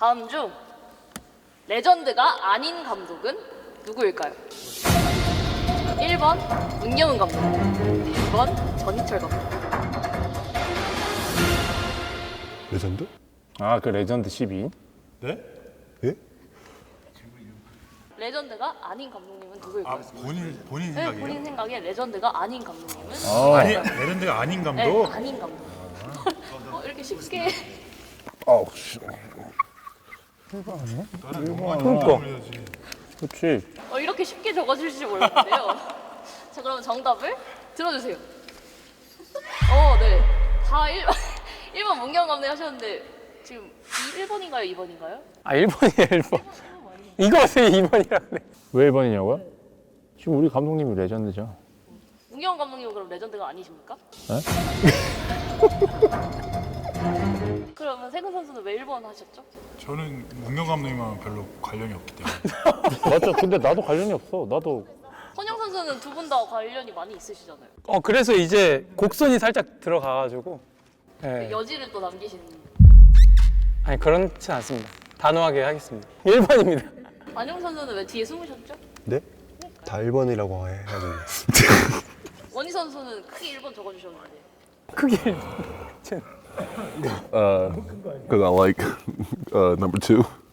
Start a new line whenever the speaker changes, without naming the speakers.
다음 중 레전드가 아닌 감독은 누구일까요? 1번 문경은 감독, 2번 전희철 감독.
레전드?
아, 그 레전드 12인?
네?
예?
레전드가 아닌 감독님은 누구일까요?
본인
네,
생각이에요?
본인 생각에 레전드가 아닌 감독님은
아니 레전드가 아닌
네,
감독?
아닌 감독. 이렇게 쉽게
아우, 씨. 그러니까. 그렇지.
이렇게 쉽게 적어주실지 몰랐는데요. 자, 그럼 정답을 들어주세요. 네. 다 1번 문경 감독 하셨는데 지금 1번인가요, 2번인가요?
아, 1번이에요, 1번. 이거 어떻게 2번이라 그래? 왜 1번이냐고요? 지금 우리 감독님이 레전드죠.
문경 감독님은 그럼 레전드가 아니십니까? 그러면 세근 선수는 왜 1번 하셨죠?
저는 문경 감독님은 별로 관련이 없기 때문에
맞죠. 근데 나도 관련이 없어. 나도.
선영 선수는 두 분 다 관련이 많이 있으시잖아요.
그래서 이제 곡선이 살짝 들어가가지고. 예.
여지를 또 남기시는.
아니, 그렇진 않습니다. 단호하게 하겠습니다. 1번입니다.
안용 선수는 왜 뒤에 숨으셨죠?
네? 다 1번이라고 해가지고.
원희 선수는 크게 1번 적어주셨는데.
크게.
Because I like number 2.